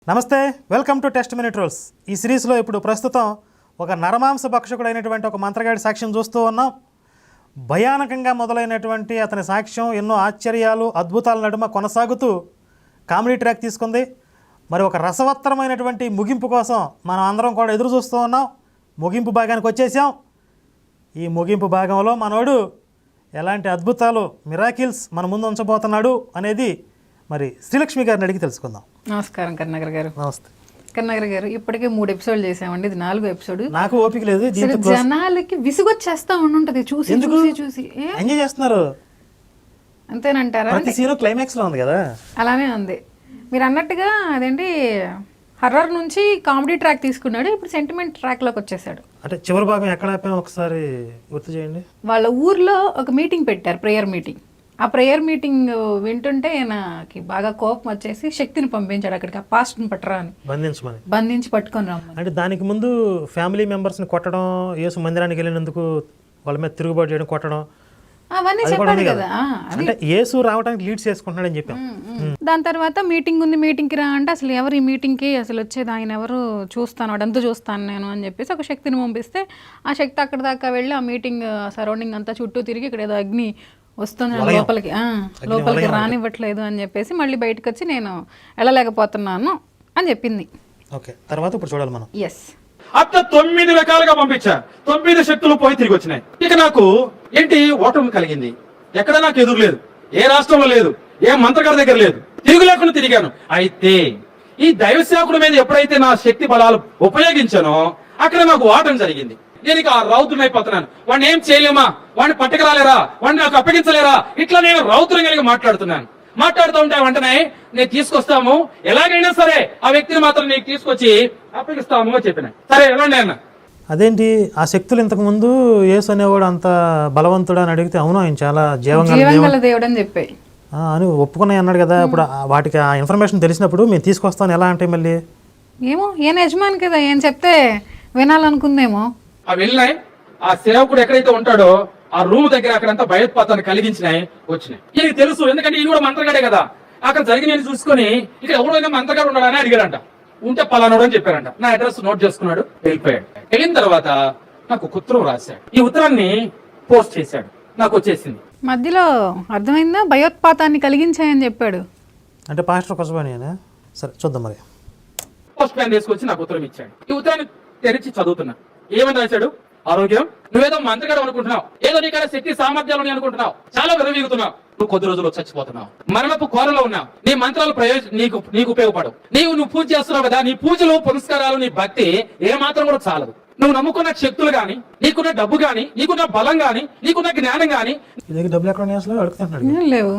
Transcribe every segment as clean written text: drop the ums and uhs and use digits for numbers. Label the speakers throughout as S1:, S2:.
S1: నమస్తే, welcome to test minute rules. ఈ సిరీస్లో ఇప్పుడు ప్రస్తుతం ఒక నరమాంస భక్షకుడైనటువంటి ఒక మంత్రగాడి సాక్ష్యం చూస్తూ ఉన్నాం. భయానకంగా మొదలైనటువంటి అతని సాక్ష్యం ఎన్నో ఆశ్చర్యాలు, అద్భుతాల నడుమ కొనసాగుతూ కామెడీ ట్రాక్ తీసుకుంది. మరి ఒక రసవత్తరమైనటువంటి ముగింపు కోసం మనం అందరం కూడా ఎదురు చూస్తూ ఉన్నాం. ముగింపు భాగానికి వచ్చేసాం. ఈ ముగింపు భాగంలో మనోడు ఎలాంటి అద్భుతాలు, మిరాకిల్స్ మన ముందు ఉంచబోతున్నాడు అనేది మరి శ్రీలక్ష్మి గారిని అడిగి తెలుసుకుందాం.
S2: నమస్కారం కరుణాకర్ గారు.
S1: నమస్తే
S2: కరుణాకర్ గారు. ఇప్పటికే 3 ఎపిసోడ్లు చేసామండి, ఇది 4వ ఎపిసోడ్.
S1: నాకు ఓపిక లేదు.
S2: జనాలకి విసుగొచ్చేస్తా ఉంటది చూసి చూసి చూసి.
S1: ఎంజాయ్ చేస్తున్నారు
S2: అంతేనంటారా?
S1: ప్రతి సీన్ క్లైమాక్స్ లో ఉంది కదా.
S2: అలానే ఉంది. మీరు అన్నట్టుగా అదేంటి హర్రర్ నుంచి కామెడీ ట్రాక్ తీసుకున్నాడు, ఇప్పుడు సెంటిమెంట్ ట్రాక్ లోకి వచ్చేసాడు.
S1: అంటే చివరి భాగం ఎక్కడ ఆపాం ఒకసారి గుర్తు చేయండి.
S2: వాళ్ళ ఊర్లో ఒక మీటింగ్ పెట్టారు, ప్రేయర్ మీటింగ్. ఆ ప్రేయర్ మీటింగ్ వింటుంటే ఆయనకి బాగా కోపం వచ్చేసి శక్తిని పంపించాడు అక్కడికి, ఆ పాస్ట్ని పట్టరా అని, బంధించి పట్టుకొని రమ్మని.
S1: అంటే దానికి ముందు ఫ్యామిలీ మెంబర్స్ని కొట్టడం, యేసు మందిరానికి వెళ్ళినందుకు వాళ్ళ మీద తిరుగుబాటు చేయడం, కొట్టడం,
S2: అవన్నీ చెప్పాడు కదా.
S1: అంటే యేసు రావడానికి లీడ్స్ చేసుకుంటున్నాడని చెప్పాం.
S2: దాని తర్వాత మీటింగ్ ఉంది, మీటింగ్కి రా అంటే అసలు ఎవరు ఈ మీటింగ్కి అసలు వచ్చేది, ఆయన ఎవరు, చూస్తాను వాడంతా చూస్తాను నేను అని చెప్పేసి ఒక శక్తిని పంపిస్తే ఆ శక్తి అక్కడ దాకా వెళ్ళి ఆ మీటింగ్ సరౌండింగ్ అంతా చుట్టూ తిరిగి ఇక్కడ ఏదో అగ్ని వస్తుంది లోపలికి రానివ్వట్లేదు అని చెప్పేసి మళ్ళీ బయటకు వచ్చి నేను వెళ్ళలేకపోతున్నాను అని చెప్పింది.
S1: తర్వాత ఇప్పుడు చూడాలి మనం.
S2: ఎస్,
S3: అట్లా 9 రకాలుగా పంపించా. 9 శక్తులు పోయి తిరిగి వచ్చినాయి. ఇక నాకు ఏంటి ఓటమి కలిగింది. ఎక్కడ నాకు ఎదురు లేదు, ఏ రాష్ట్రంలో లేదు, ఏ మంత్రగారి దగ్గర లేదు, తిరుగు లేకుండా తిరిగాను. అయితే ఈ దైవ సేవకుడి మీద ఎప్పుడైతే నా శక్తి బలాలు ఉపయోగించానో అక్కడ నాకు ఓటమి జరిగింది. నేను ఇక రౌద్రునైపోతున్నాను. వాడిని ఏం చేయలేమా, వాడిని పట్టుకురాలేరా, వాడిని నాకు అప్పగించలేరా, ఇట్లా నేను రౌద్రం కలిగి మాట్లాడుతూ ఉంటే వెంటనే నేను తీసుకొస్తాము, ఎలాగైనా సరే ఆ వ్యక్తిని మాత్రం నీకు తీసుకొచ్చి అప్పగిస్తాము అని చెప్పిన. సరే ఎలాంటి అన్న.
S1: అదేంటి ఆ శక్తులు ఇంతకు ముందు యేసు అనేవాడు అంత బలవంతుడు అని అడిగితే అవును ఆయన చాలా జీవంగల
S2: దేవుడు అని చెప్పి
S1: అని ఒప్పుకున్నాయి అన్నాడు కదా. ఇప్పుడు వాటికి ఆ ఇన్ఫర్మేషన్ తెలిసినప్పుడు మేము తీసుకొస్తాను ఎలా అంటే మళ్ళీ
S2: ఏమో ఈయన యజమాని కదా, ఏం చెప్తే వినాలనుకుందేమో.
S3: ఆ వెళ్ళినాయి. ఆ సేవకుడు ఎక్కడైతే ఉంటాడో ఆ రూమ్ దగ్గర అక్కడంతా భయోత్పాతాన్ని కలిగించినాయి, వచ్చినాయి. ఈయనకి తెలుసు, ఎందుకంటే ఈయన కూడా మంత్రగాడే కదా. అక్కడ జరిగిన చూసుకుని ఇక్కడ ఎవరైనా మంత్రగాడు ఉన్నాడని అడిగాడంట. ఉంటే పలానాడు అని చెప్పారంట. నా అడ్రస్ నోట్ చేసుకున్నాడు, వెళ్ళిపోయాడు. వెళ్ళిన తర్వాత నాకు ఒక ఉత్తరం రాశాడు. ఈ ఉత్తరాన్ని పోస్ట్ చేశాడు, నాకు వచ్చేసింది.
S2: మధ్యలో అర్థమైందా, భయోత్పాతాన్ని కలిగించాయని చెప్పాడు.
S1: అంటే పాస్టర్ కొసబాని. సరే చూద్దాం మరి.
S3: పోస్ట్ మ్యాన్ తీసుకొచ్చి నాకు ఉత్తరం ఇచ్చాడు. ఈ ఉత్తరాన్ని తెరిచి చదువుతున్నా. ఏమని రాశాడు? ఆరోగ్యం, నువ్వేదో మంత్రగాడు అనుకుంటున్నావు, ఏదో నీకైనా శక్తి సామర్థ్యాలు అనుకుంటున్నావు, చాలా విరవీగుతున్నావు, నువ్వు కొద్ది రోజులు చచ్చిపోతున్నావు, మరణపు కోరలో ఉన్నావు, నీ మంత్రాలు నీకు ఉపయోగపడవు, నువ్వు పూజ చేస్తున్నావు కదా, నీ పూజలు పురస్కారాలు నీ భక్తి ఏ మాత్రం కూడా చాలదు. నువ్వు నమ్ముకున్న శక్తులు గాని, నీకున్న డబ్బు గాని, నీకున్న బలం గాని, నీకున్న జ్ఞానం గాని,
S2: లేవు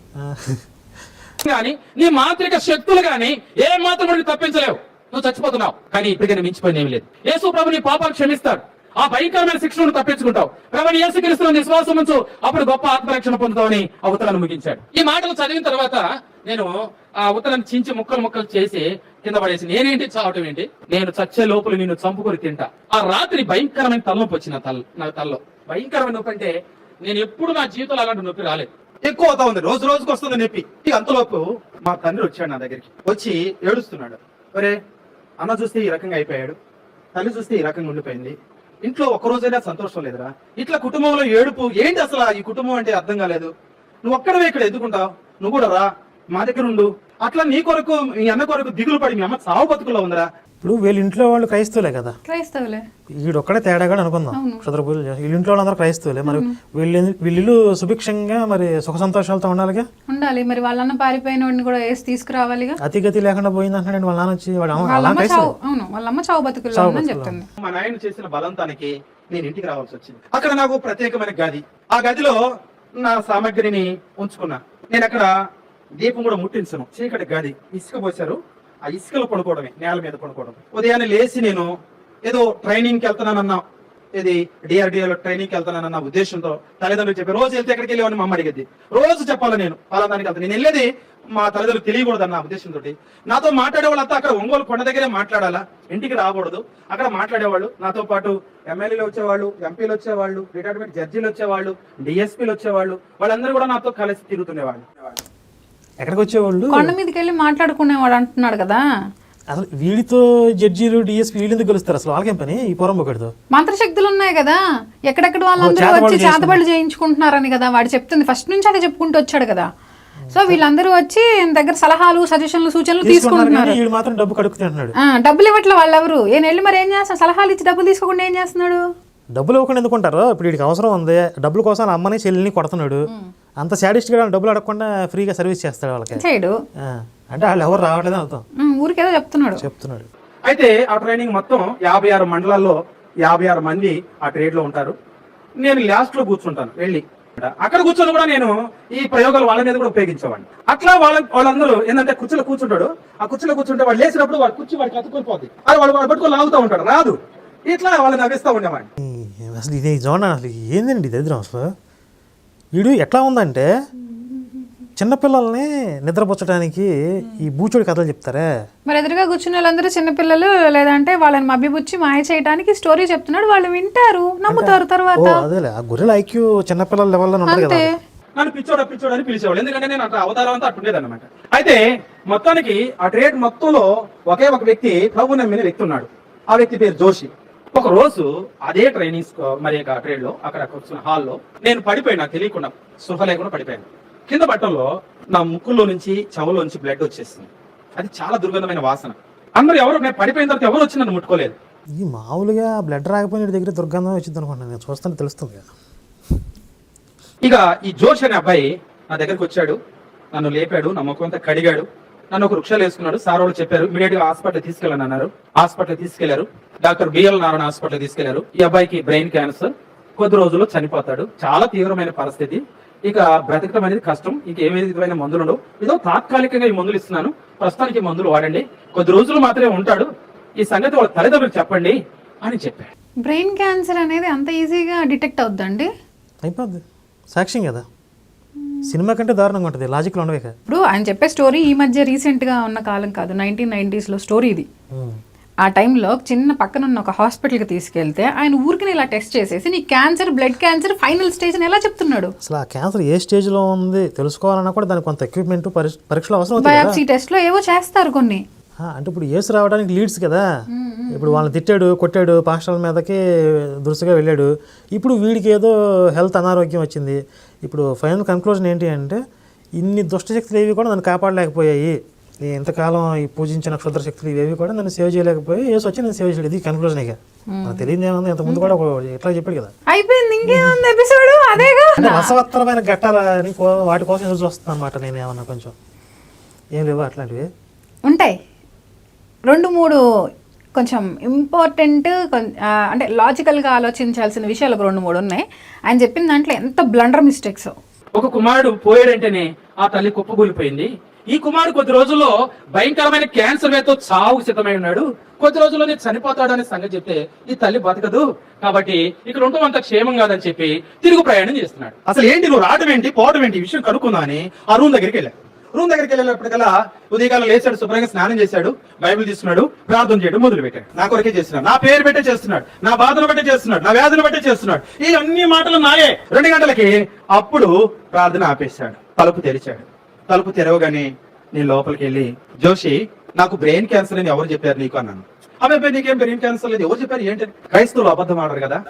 S3: గాని నీ మాంత్రిక శక్తులు గాని ఏ మాత్రం తప్పించలేవు, నువ్వు చచ్చిపోతున్నావు. కానీ ఇప్పటికైనా మించిపోయిన ఏమి లేదు. యేసు ప్రభు నీ పాపాలు క్షమిస్తాడు, ఆ భయంకరమైన శిక్షను తప్పించుకుంటావు. ప్రభుని యేసుక్రీస్తును విశ్వాసం ఉంచు, అప్పుడు గొప్ప ఆత్మరక్షణ పొందుతావని ఆ ఉత్తరాన్ని ముగించాడు. ఈ మాటలు చదివిన తర్వాత నేను ఆ ఉత్తరాన్ని చించి ముక్కలు చేసి కింద పడేసి నేనేంటి చావటం ఏంటి, నేను చచ్చే లోపల నిన్ను చంపుకొని తింటా. ఆ రాత్రి భయంకరమైన తలనొప్పి వచ్చింది. నా తలలో భయంకరమైన నొప్పి అంటే నేను ఎప్పుడు నా జీవితంలో అలాంటి నొప్పి రాలేదు. ఎక్కువ అవుతా ఉంది, రోజు రోజుకు వస్తుంది నొప్పి. ఇక అంతలోపు మా తండ్రి వచ్చాడు నా దగ్గరికి. వచ్చి ఏడుస్తున్నాడు. ఒరే అన్న చూస్తే ఈ రకంగా అయిపోయాడు, తల్లి చూస్తే ఈ రకంగా ఉండిపోయింది, ఇంట్లో ఒక్కరోజైనా సంతోషం లేదురా, ఇట్లా కుటుంబంలో ఏడుపు ఏంటి, అసలు ఈ కుటుంబం అంటే అర్థం కాలేదు, నువ్వు ఒక్కడవే ఇక్కడ ఎదుగుంటావు, నువ్వు కూడా రా మా దగ్గర ఉండు, అట్లా నీ కొరకు మీ అన్న కొరకు దిగులు పడి మీ అమ్మ సావు బతుకుల్లో ఉందరా.
S1: ఇప్పుడు వీళ్ళ ఇంట్లో వాళ్ళు క్రైస్తవులే కదా,
S2: క్రైస్తవులే,
S1: వీడొక్కడే తేడాగా అనుకుందాం. క్షుద్ర పూజలు వీళ్ళ ఇంట్లో వాళ్ళందరూ క్రైస్తవులే. మరి వీళ్ళు సుభిక్షంగా మరి సుఖ సంతోషాలతో ఉండాలి.
S2: మరి వాళ్ళన్న పారిపోయిన వాడిని కూడా వేసి తీసుకురావాలిగా.
S1: అతిగతి లేకుండా పోయింది అంటున్నాడు వాళ్ళ నాన్న వచ్చి.
S2: వాళ్ళమ్మ చావు బతుకుల్లో ఉందని చెప్తుంది.
S3: మా నాయన చేసిన బలంతానికి నేను ఇంటికి రావాల్సి వచ్చింది. అక్కడ నాకు ప్రత్యేకమైన గది, ఆ గదిలో నా సామాగ్రిని ఉంచుకున్నా. నేను అక్కడ దీపం కూడా ముట్టించను, చీకటి గది, ఇసుక పోసారు, ఆ ఇసుకలో పడుకోవడమే, నేల మీద పడుకోవడం. ఉదయాన్నే లేచి నేను ఏదో ట్రైనింగ్కి వెళ్తున్నానన్నా, ఇది డిఆర్డిఏలో ట్రైనింగ్కి వెళ్తున్నానన్న ఉద్దేశంతో తల్లిదండ్రులు చెప్పి రోజు వెళ్తే ఎక్కడికి వెళ్ళేవని మా అమ్మ అడిగేది. రోజు చెప్పాలి నేను పలాదానికి వెళ్తాను. నేను వెళ్ళేది మా తల్లిదండ్రులు తెలియకూడదన్న ఉద్దేశంతో నాతో మాట్లాడే వాళ్ళంతా అక్కడ ఒంగోలు కొండ దగ్గరే మాట్లాడాలా, ఇంటికి రాకూడదు. అక్కడ మాట్లాడేవాళ్ళు నాతో పాటు ఎమ్మెల్యేలు వచ్చేవాళ్ళు, ఎంపీలు వచ్చేవాళ్ళు, రిటైర్మెంట్ జడ్జీలు వచ్చేవాళ్ళు, డిఎస్పీలు వచ్చేవాళ్ళు, వాళ్ళందరూ కూడా నాతో కలిసి తిరుగుతుండేవాళ్ళు.
S1: ఎక్కడికి వచ్చేవాళ్ళు?
S2: కొండ మీదకి వెళ్ళి మాట్లాడుకునేవాడు అంటున్నాడు కదా,
S1: అసలు వీడితో జడ్జీలు డిఎస్పీ వీళ్ళు ఎందుకు గెలుస్తారు అసలు? వాళ్ళకేం పని ఈ పొరంబొకటితో?
S2: మంత్రశక్తులు ఉన్నాయి కదా, ఎక్కడెక్కడ వాళ్ళందరూ వచ్చి చేతబడులు చేయించుకుంటున్నారని కదా వాడు చెప్తుంది. ఫస్ట్ నుంచి అదే చెప్పుకుంటూ వచ్చాడు కదా. సో వీళ్ళందరూ వచ్చి దగ్గర సలహాలు, సజెషన్లు, సూచనలు తీసుకుంటున్నారు.
S1: వీడు మాత్రం డబ్బు కడుక్కుతున్నాడు.
S2: డబ్బులు ఇవ్వట్లే వాళ్ళెవరు. ఏం వెళ్ళి మరి ఏం చేస్తాడు? సలహాలు ఇచ్చి డబ్బులు తీసుకోకుండా ఏం చేస్తున్నాడు?
S1: డబ్బులు ఇవ్వకుండా ఎందుకుంటారు? ఇప్పుడు వీడికి అవసరం ఉంది, డబ్బుల కోసం వాళ్ళ అమ్మని చెల్లిని కొడుతున్నాడు. అంత సాడిస్ట్గా డబ్బులు అడగకుండా ఫ్రీగా సర్వీస్ చేస్తాడు వాళ్ళకి.
S2: చేయడు
S1: అంటే వాళ్ళు ఎవరు రావట్లేదు అవుతాం,
S2: ఊరికేదో చెప్తున్నాడు.
S3: అయితే ఆ ట్రైనింగ్ మొత్తం 56 మండలాల్లో 56 మంది ఆ ట్రేడ్ లో ఉంటారు. నేను లాస్ట్ లో కూర్చుంటాను వెళ్ళి. అక్కడ కూర్చొని కూడా నేను ఈ ప్రయోగాలు వాళ్ళ మీద కూడా ఉపయోగించేవాడిని. అట్లా వాళ్ళందరూ ఏంటంటే కుర్చీలో కూర్చుంటాడు. ఆ కుర్చీలో కూర్చుంటే వాడు లేచినప్పుడు వాడు కుర్చీ వాడికి అతుక్కుపోద్ది. అది వాడు పట్టుకొని లాగుతూ ఉంటాడు, రాదు. ఇట్లా వాళ్ళని నవ్విస్తూ ఉండేవాడిని.
S1: అసలు ఇది చూడండి, అసలు ఏందండి దరిద్రం అసలు. వీడు ఎట్లా ఉందంటే చిన్నపిల్లల్ని నిద్రపుచ్చడానికి ఈ బూచోడి కథలు చెప్తారే.
S2: మరి ఎదురుగా కూర్చున్న వాళ్ళందరూ చిన్నపిల్లలు, లేదంటే వాళ్ళని మభ్యపుచ్చి మాయ చేయడానికి స్టోరీ చెప్తున్నాడు. వాళ్ళు వింటారు, నమ్ముతారు. తర్వాత
S1: అదేలే ఆ గొర్రెల ఐక్యూ చిన్నపిల్లల లెవెల్లో ఉంటుంది కదా.
S3: నన్ను పిచ్చోడు అని పిలిచేవాళ్ళు, ఎందుకంటే నేను అట్లా అవతారం అంతా అట్టుండేది అనమాట. అయితే మొత్తానికి ఆ ట్రేడ్ మొత్తంలో ఒకే ఒక వ్యక్తి ప్రభు నమ్మిన వ్యక్తి ఉన్నాడు. ఆ వ్యక్తి పేరు జోషి. ఒక రోజు అదే ట్రైనింగ్ మరి ట్రేడ్ లో అక్కడ కూర్చున్న హాల్లో నేను పడిపోయాను. నాకు తెలియకుండా స్పృహ లేకుండా పడిపోయాను. కింద బట్టల్లో నా ముక్కులో నుంచి చెవులో నుంచి బ్లడ్ వచ్చేసింది. అది చాలా దుర్గంధమైన వాసన. అందరూ ఎవరు, నేను పడిపోయిన తర్వాత ఎవరు వచ్చి నన్ను ముట్టుకోలేదు.
S1: ఈ మామూలుగా బ్లడ్ రాకపోయిన దగ్గర దుర్గంధం వచ్చింది అనుకుంటున్నాను, నేను చూస్తాను తెలుస్తుంది కదా.
S3: ఇక ఈ జోష్ అనే అబ్బాయి నా దగ్గరికి వచ్చాడు, నన్ను లేపాడు, నా ముఖం అంతా కడిగాడు, నన్ను ఒక వృక్షాలు వేసుకున్నాడు. సార్ వాళ్ళు చెప్పారు ఇమీడియట్ గా హాస్పిటల్ తీసుకెళ్ళని అన్నారు. హాస్పిటల్ తీసుకెళ్లారు. డాక్టర్ బిఎల్ నారాయణ హాస్పిటల్ తీసుకెళ్లారు. ఈ అబ్బాయికి బ్రెయిన్ క్యాన్సర్, కొద్ది రోజుల్లో చనిపోతాడు. చాలా తీవ్రమైన పరిస్థితి. ఇక బ్రతకడం అనేది కష్టం. ఇక ఏ విధమైన మందులు ఉండవు. ఏదో తాత్కాలికంగా ఈ మందులు ఇస్తున్నాను, ప్రస్తుతానికి మందులు వాడండి, కొద్ది రోజులు మాత్రమే ఉంటాడు, ఈ సంగతి వాళ్ళ తల్లిదండ్రులకు చెప్పండి అని చెప్పాడు.
S2: బ్రెయిన్ క్యాన్సర్ అనేది అంత ఈజీగా డిటెక్ట్ అవుద్దండి?
S1: అయిపోద్ది, సాక్ష్యం కదా. సినిమా కంటే దారుణంగా ఉంటుంది, లాజిక్లో ఉండవే కదా.
S2: ఇప్పుడు ఆయన చెప్పే స్టోరీ ఈ మధ్య రీసెంట్గా ఉన్న కాలం కాదు, 1990s స్టోరీ ఇది. ఆ టైంలో చిన్న పక్కన ఉన్న ఒక హాస్పిటల్కి తీసుకెళ్తే ఆయన ఊరికి ఇలా టెస్ట్ చేసేసి నీ cancer, blood cancer final stage అని ఎలా చెప్తున్నాడు?
S1: అసలు ఆ క్యాన్సర్ ఏ స్టేజ్లో ఉంది తెలుసుకోవాలన్నా కూడా దానికి కొంత ఎక్విప్మెంట్ పరీక్షలు అవసరం.
S2: బయాప్సీ టెస్ట్లో ఏవో చేస్తారు కొన్ని.
S1: అంటే ఇప్పుడు ఏసు రావడానికి లీడ్స్ కదా. ఇప్పుడు వాళ్ళని తిట్టాడు, కొట్టాడు, పాస్టర్ల మీదకి దురుసుగా వెళ్ళాడు. ఇప్పుడు వీడికి ఏదో హెల్త్ అనారోగ్యం వచ్చింది. ఇప్పుడు ఫైనల్ కన్క్లూజన్ ఏంటి అంటే ఇన్ని దుష్టశక్తులు ఏవి కూడా నన్ను కాపాడలేకపోయాయి, నేను ఇంతకాలం ఈ పూజించిన క్షుద్ర శక్తులు ఇవేవి కూడా నన్ను సేవ్ చేయలేకపోయి ఏసు వచ్చి నేను సేవ్ చేయలేదు. ఇది కన్క్లూజన్. ఇక నాకు తెలియదు ఏముంది, ఇంతకుముందు కూడా ఎట్లా చెప్పాడు కదా.
S2: అయిపోయింది, ఇంకేముంది ఎపిసోడ్ అదేగా.
S1: అంటే రసవత్తరమైన ఘట్టాలని వాటి కోసం ఎదురు చూస్తాను అనమాట. నేను ఏమన్నా కొంచెం ఏం లేవు అట్లాంటివి
S2: ఉంటాయి. 2-3 కొంచెం ఇంపార్టెంట్, అంటే లాజికల్గా ఆలోచించాల్సిన విషయాలు 2-3 ఉన్నాయి. ఆయన చెప్పిన దాంట్లో ఎంత బ్లండర్ మిస్టేక్స్.
S3: ఒక కుమారుడు పోయాడంటేనే ఆ తల్లి కుప్పకూలిపోయింది. ఈ కుమారుడు కొద్ది రోజుల్లో భయంకరమైన క్యాన్సర్ వేతో చావుకు సిద్ధమై ఉన్నాడు. కొద్ది రోజుల్లోనే చనిపోతాడు అనే సంగతి చెప్తే ఈ తల్లి బతకదు, కాబట్టి ఇక్కడ ఉండటం అంత క్షేమం కాదని చెప్పి తిరుగు ప్రయాణం చేస్తున్నాడు. అసలు ఏంటి నువ్వు రావడం ఏంటి పోవడం ఏంటి ఈ విషయం కనుక్కుందా అని ఆ రూమ్ దగ్గరికి వెళ్ళాడు. రూమ్ దగ్గరికి వెళ్ళేటప్పటికల్లా ఉదయకాలం లేచాడు, శుభ్రంగా స్నానం చేశాడు, బైబిల్ తీసుకున్నాడు, ప్రార్థన చేయడం మొదలు పెట్టాడు. నా కొరకే చేస్తున్నాడు, నా పేరు పెట్టే చేస్తున్నాడు, నా బాధను బట్టే చేస్తున్నాడు, నా వ్యాధులు బట్టే చేస్తున్నాడు, ఈ అన్ని మాటలు నాయే. 2 గంటలకి అప్పుడు ప్రార్థన ఆపేశాడు. తలుపు తెరిచాడు. తలుపు తెరవగానే నేను లోపలికి వెళ్ళి, జోషి నాకు బ్రెయిన్ క్యాన్సర్ అని ఎవరు చెప్పారు నీకు అన్నాను. అబ్బాయి నీకేం బ్రెయిన్ క్యాన్సర్ లేదు, ఎవరు చెప్పారు ఏంటి? క్రైస్తవులు అబద్ధం ఆడరు కదా.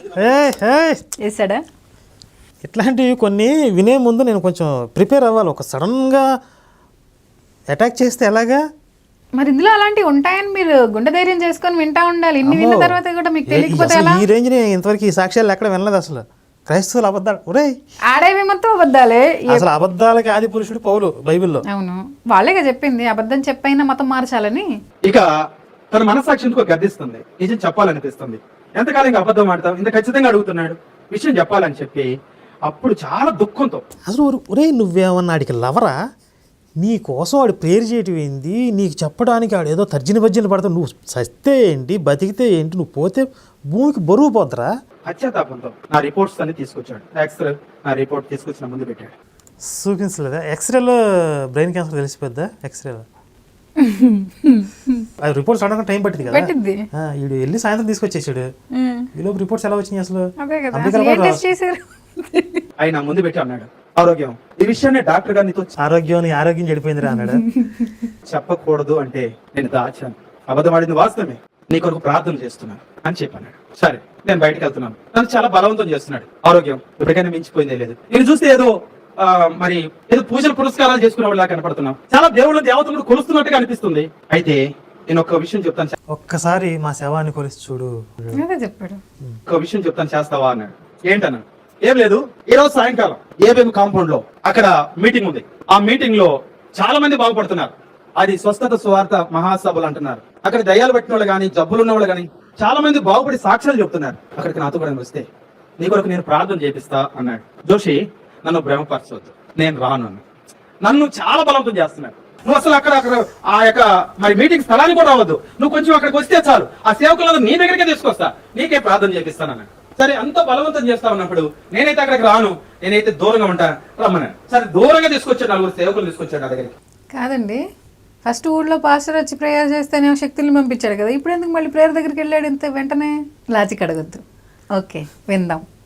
S2: వేసాడా?
S1: ఇట్లాంటివి కొన్ని వినే ముందు నేను కొంచెం ప్రిపేర్ అవ్వాలి. ఒక సడన్గా అటాక్ చేస్తే ఎలాగా?
S2: మరి ఇందులో అలాంటివి ఉంటాయని మీరు గుండె ధైర్యం చేసుకొని వింటా ఉండాలి. ఇన్ని విన్న తర్వాత కూడా మీకు తెలియకపోతే ఎలా?
S1: ఈ రేంజ్ ఇంతవరకు ఈ సాక్ష్యాలు ఎక్కడ వినలేదు అసలు. క్రైస్తవులు అబద్ధాలు, ఒరే
S2: ఆడేవి మొత్తం అబద్ధాలే.
S1: అసలు అబద్ధాలకి ఆది పురుషుడు పౌలు బైబిల్లో.
S2: అవును, వాళ్ళేగా చెప్పింది అబద్ధం చెప్పైనా మతం మార్చాలని.
S3: ఇక తన మనసాక్షికి గర్దిస్తుంది, నిజం చెప్పాలనిపిస్తుంది. ఎంతకాలం ఇంకా అబద్ధం ఆడతాం, ఇంత ఖచ్చితంగా అడుగుతున్నాడు, విషయం చెప్పాలని చెప్పి అప్పుడు చాలా దుఃఖంతో,
S1: అసలు ఒరే నువ్వేమన్నా ఆడికి లవరా? నీ కోసం వాడు ప్రేయర్ చేయటం ఏంది, నీకు చెప్పడానికి ఆడు ఏదో తర్జన భర్జన పడతావు. నువ్వు సస్తే ఏంటి, బతికితే ఏంటి, నువ్వు పోతే భూమికి బరువు పోద్దురా.
S3: పశ్చాత్తాపంతో నా రిపోర్ట్స్ అన్ని తీసుకొచ్చాడు. ఎక్స్రే నా రిపోర్ట్ తీసుకొచ్చిన ముందు పెట్టాడు.
S1: చూపించలేదా? ఎక్స్రేలో బ్రెయిన్ క్యాన్సర్ తెలిసిపోద్దా? ఎక్స్రేలో అది రిపోర్ట్స్ అడగ టైం పట్టింది కదా. వీడు వెళ్ళి సాయంత్రం తీసుకొచ్చేసాడు. ఈలోపు రిపోర్ట్స్ ఎలా వచ్చినాయి అసలు?
S3: ఆయన ముందు పెట్టి అన్నాడు, ఆరోగ్యం ఈ విషయాన్ని డాక్టర్ గారు నీతో
S1: ఆరోగ్యం చెడిపోయిందిరా అన్నాడు.
S4: చెప్పకూడదు అంటే నేను దాచాను, అబద్ధం ఆడింది వాస్తవమే, నీ కొరకు ప్రార్థన చేస్తున్నాను అని చెప్పాను. సరే నేను బయటకు వెళ్తున్నాను. నన్ను చాలా బలవంతం చేస్తున్నాడు. ఆరోగ్యం ఇప్పటికైనా మించిపోయిందే లేదు. నేను చూస్తే ఏదో మరి ఏదో పూజలు పురస్కారాలు చేసుకునే వాళ్ళ కనపడుతున్నాం. చాలా దేవుళ్ళ దేవతలు కొలుస్తున్నట్టుగా అనిపిస్తుంది. అయితే నేను ఒక విషయం చెప్తాను,
S1: ఒక్కసారి మా శవాన్ని కొలిసి చూడు.
S2: అదే చెప్పాడు.
S4: ఒక విషయం చెప్తాను, చేస్తావా అన్నాడు. ఏంటన్నా? ఏం లేదు, ఈ రోజు సాయంకాలం ఏబేం కాంపౌండ్ లో అక్కడ మీటింగ్ ఉంది. ఆ మీటింగ్ లో చాలా మంది బాగుపడుతున్నారు. అది స్వస్థత సువార్త మహాసభలు అంటున్నారు. అక్కడ దయ్యాలు పట్టిన వాళ్ళు కానీ, జబ్బులు ఉన్న వాళ్ళు కానీ చాలా మంది బాగుపడి సాక్ష్యాలు చెప్తున్నారు. అక్కడికి నాతో కూడా వస్తే నీ కొరకు నేను ప్రార్థన చేపిస్తా అన్నాడు. జోషి, నన్ను భ్రమపరచవద్దు, నేను రాను అన్నాడు. నన్ను చాలా బలవంతం చేస్తున్నాడు. నువ్వు అసలు అక్కడ ఆ యొక్క మరి మీటింగ్ స్థలానికి కూడా రావద్దు, నువ్వు కొంచెం అక్కడికి వస్తే చాలు, ఆ సేవకులను నీ దగ్గరికే తీసుకొస్తా, నీకే ప్రార్థన చేపిస్తాను అన్నాడు. సరే, అంత బలవంతం చేస్తా ఉన్నప్పుడు నేనైతే అక్కడికి రాను, నేనైతే దూరంగా ఉంటా, రమ్మన్నాడు. సరే, దూరంగా తీసుకొచ్చాడు, నలుగురు సేవకులు తీసుకొచ్చాడు నా దగ్గరికి.
S2: కాదండి, ఫస్ట్ ఊళ్ళో పాస్టర్ వచ్చి ప్రేయర్ చేస్తేనే శక్తుల్ని పంపించాడు కదా, ఇప్పుడు ఎందుకు మళ్ళీ ప్రేయర్ దగ్గరికి వెళ్ళాడు ఇంత వెంటనే? లాజిక్ అడగొద్దు. ఓకే, విందాం.